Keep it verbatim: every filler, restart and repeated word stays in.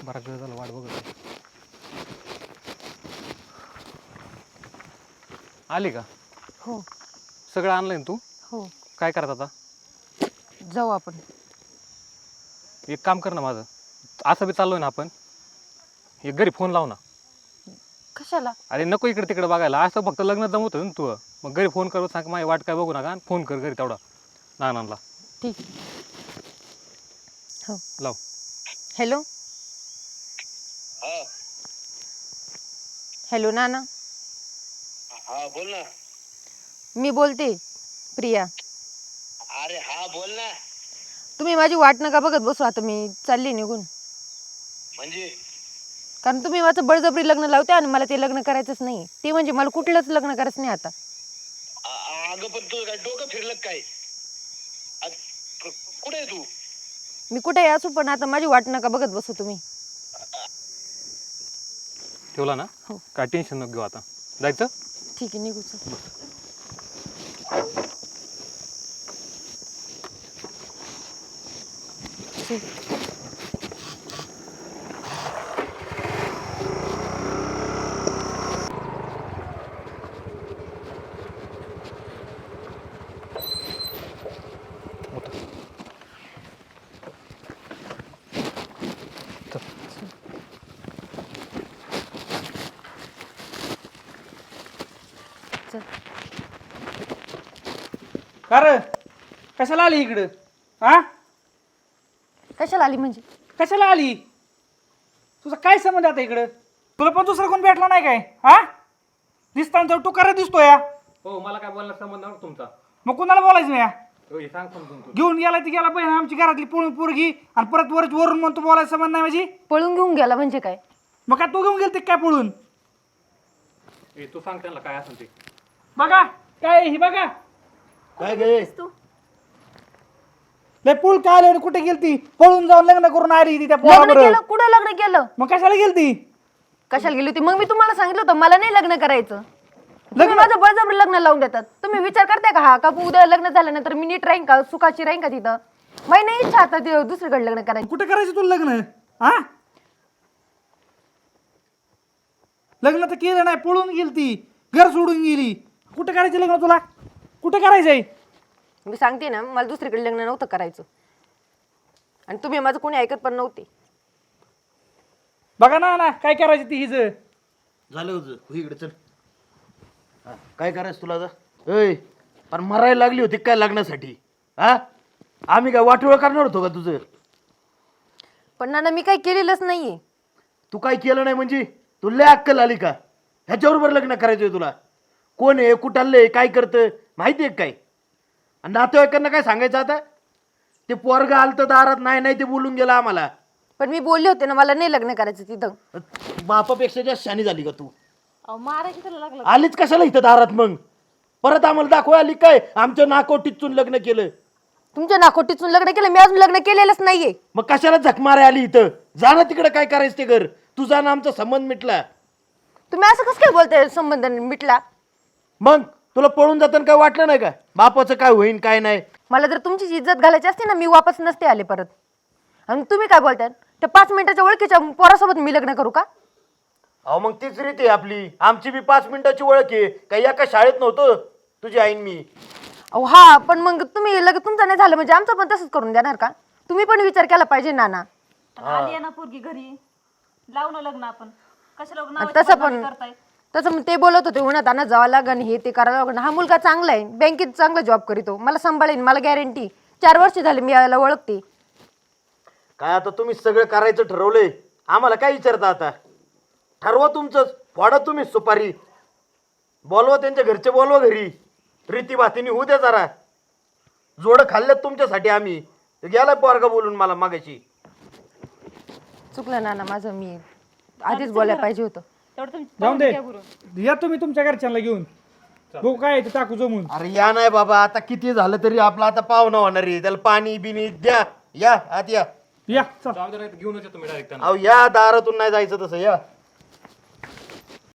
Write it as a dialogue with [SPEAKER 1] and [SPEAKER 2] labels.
[SPEAKER 1] बराच वेळ झाला वाट बघत. आली का?
[SPEAKER 2] हो
[SPEAKER 1] सगळं आणलंय ना तू?
[SPEAKER 2] हो
[SPEAKER 1] काय करत आता?
[SPEAKER 2] जाऊ आपण.
[SPEAKER 1] एक काम कर ना माझं, असं बी चाललोय ना आपण, एक घरी फोन लाव ना.
[SPEAKER 2] कशाला?
[SPEAKER 1] अरे नको इकडे तिकडे बघायला, असं फक्त लग्न जमवतं ना तू. मग घरी फोन कर, सांग माझी वाट काय बघू नका, फोन कर घरी तेवढा नानांना.
[SPEAKER 2] ठीक हो
[SPEAKER 1] लाव.
[SPEAKER 2] हॅलो हॅलो नाना.
[SPEAKER 3] हा बोल ना.
[SPEAKER 2] मी बोलते प्रिया.
[SPEAKER 3] अरे हा बोल ना.
[SPEAKER 2] तुम्ही माझी वाट नका बघत बसू, आता मी चालली निघून.
[SPEAKER 3] म्हणजे
[SPEAKER 2] कारण तुम्ही माझं बळजबरी लग्न लावते आणि मला ते लग्न करायचंच नाही. ते म्हणजे मला कुठलंच लग्न करायचं नाही आता.
[SPEAKER 3] अ- अगं पण तुझं काय डोकं फिरलं काय? अ- क- कुठे आहे तू?
[SPEAKER 2] मी कुठे असू, पण आता माझी वाट नका बघत बसू तुम्ही.
[SPEAKER 1] ठेवला ना?
[SPEAKER 2] हो.
[SPEAKER 1] काय टेन्शन नको घेऊ, आता जायचं.
[SPEAKER 2] ठीक आहे निघू चल. चल. चल.
[SPEAKER 4] का रे कशाला आली इकडं? हा
[SPEAKER 2] कशाला आली म्हणजे?
[SPEAKER 4] कशाला आली? तुझा काय संबंध आता इकडं? तुला पण दुसरा कोण भेटला नाही काय? हा दिसताना तर तू करा दिसतोय या.
[SPEAKER 1] हो, मला काय बोलण्यात संबंध नव्हता तुमचा.
[SPEAKER 4] मग कुणाला बोलायचं नाही या?
[SPEAKER 1] हो, हे सांग समजून तू.
[SPEAKER 4] घेऊन गेला ती गेला बहीण आमची घरातली पळून पोरगी आणि परत वरच वरून म्हणतो बोलायचं संबंध नाही माझी.
[SPEAKER 2] पळून घेऊन गेला म्हणजे काय?
[SPEAKER 4] मग काय तू घेऊन गेलते काय पळून?
[SPEAKER 1] ए, तू सांग त्यांना काय असेल ते.
[SPEAKER 4] बघा काय ही बघा
[SPEAKER 3] काय गे?
[SPEAKER 4] लय पूल काय आले कुठे गेलती? पळून जाऊन लग्न करून आली ती त्या
[SPEAKER 2] लग्न
[SPEAKER 4] पोराबरोबर.
[SPEAKER 2] केलं? कुठं लग्न केलं?
[SPEAKER 4] मग कशाला गेलती?
[SPEAKER 2] कशाला गेली होती? मग मी तुम्हाला सांगितलं होतं मला नाही लग्न करायचं. तुम्ही माझं बळजबरी लग्न लावून देतात. तुम्ही विचार करताय का हा का उद्या लग्न झाल्यानंतर मी नीट राहीन का, सुखाची राहीन का तिथं? माझी नाही इच्छा आता ते दुसरीकडे लग्न करायची.
[SPEAKER 4] कुठे करायचं तुला लग्न? हा लग्न तर केलं नाही, पळून गेलती, घर सोडून गेली. कुठे करायचं लग्न तुला? कुठे करायचंय?
[SPEAKER 2] मी सांगते ना, मला दुसरीकडे लग्न नव्हतं करायचं आणि तुम्ही माझं कोणी ऐकत पण नव्हते.
[SPEAKER 4] बघा ना ना काय करायचं ती हिज.
[SPEAKER 3] झालं होतं हो इकडे चल. हा, काय करायचं तुला आता? ऐ पण मरायला लागली होती काय लग्नासाठी? हा आम्ही काय वाटोळ करणार होतो का तुझं?
[SPEAKER 2] पण नाना मी काही केलेलंच नाहीये.
[SPEAKER 3] तू काय केलं नाही म्हणजे? तुला अक्कल आली का? ह्याच्याबरोबर लग्न करायचंय तुला? कोण आहे, कुठालंय, काय करतं माहिती आहे काय? आणि नातेवाईकांना काय सांगायचं आता? ते पोरगं आलतं दारात, नाही नाही ते बोलून गेलं आम्हाला.
[SPEAKER 2] पण मी बोलले होते ना मला नाही लग्न करायचं तिथं.
[SPEAKER 3] बापापेक्षा जास्त शानी झाली का तू? आलीच कशाला इथं दारात मग? परत आम्हाला दाखवा आली काय आमच्या नाकोटीतून लग्न केलं?
[SPEAKER 2] तुमच्या नाकोटीतून लग्न केलं? मी अजून लग्न केलेलंच नाहीये.
[SPEAKER 3] मग कशाला झक माराय आली इथं? जा ना तिकडे, काय करायचं ते घर. तुझा ना आमचा संबंध मिटला.
[SPEAKER 2] तुम्ही असं कसं काय बोलताय संबंध मिटला?
[SPEAKER 3] मग तुला पळून जाताना काय वाटलं नाही का बापाचं काय होईन काय नाही?
[SPEAKER 2] मला जर तुमची इज्जत घालायची असते ना, मी वापस नसते आले परत. आणि तुम्ही काय बोलताय? त्या पाच मिनिटाच्या ओळखीच्या पोरासोबत मी लग्न करू का?
[SPEAKER 3] अहो मग तीच रीत आहे आपली. आमची बी पाच मिनिटाची ओळख आहे. काही एका शाळेत नव्हतं तुझी आईन मी.
[SPEAKER 2] अहो हा, पण मग तुम्ही लगेच तुमचं नाही झालं म्हणजे आमचं पण तसंच करून देणार का? तुम्ही पण विचार केला पाहिजे नाना.
[SPEAKER 5] आली ना पोरगी घरी, लावू ना लग्न आपण. कशाला
[SPEAKER 2] आणि
[SPEAKER 5] नावाची
[SPEAKER 2] तसं
[SPEAKER 5] बदनामी
[SPEAKER 2] पण
[SPEAKER 5] करताय?
[SPEAKER 2] तसं मग ते बोलत होते उन्हात आणा जावं लागन, हे ते करावं लागन. हा मुलगा चांगला आहे, बँकेत चांगला जॉब करीतो, मला सांभाळेन, मला गॅरंटी. चार वर्ष झाले मी याला ओळखते.
[SPEAKER 3] काय आता तुम्ही सगळं करायचं ठरवलंय, आम्हाला काय विचारता आता? ठरवा तुमचंच, फोडा तुम्ही सुपारी. बोलवा त्यांच्या घरचे, बोलवा घरी. रीती भातीने होऊ द्या जरा. जोडं खाल्ल्यात तुमच्यासाठी आम्ही. गेला पोरगा बोलून मला मागायची.
[SPEAKER 2] चुकलं नाना माझं, मी आधीच बोलायला पाहिजे होतं.
[SPEAKER 5] तेवढं तुम्ही
[SPEAKER 4] जाऊन दे,
[SPEAKER 5] घ्या करून.
[SPEAKER 4] या तुम्ही तुमच्या घरच्यांना घेऊन. बघू काय आहे ते टाकू जमून.
[SPEAKER 3] अरे या नाही बाबा, आता किती झालं तरी आपला आता पाहुणा होणार आहे. त्याला पाणी बिनी द्या. या आत या.
[SPEAKER 4] या चल.
[SPEAKER 1] जाऊ दे, नाही तर घेऊनच येतो मी डायरेक्ट.
[SPEAKER 3] अहो या दारातून नाही जायचं तसं या.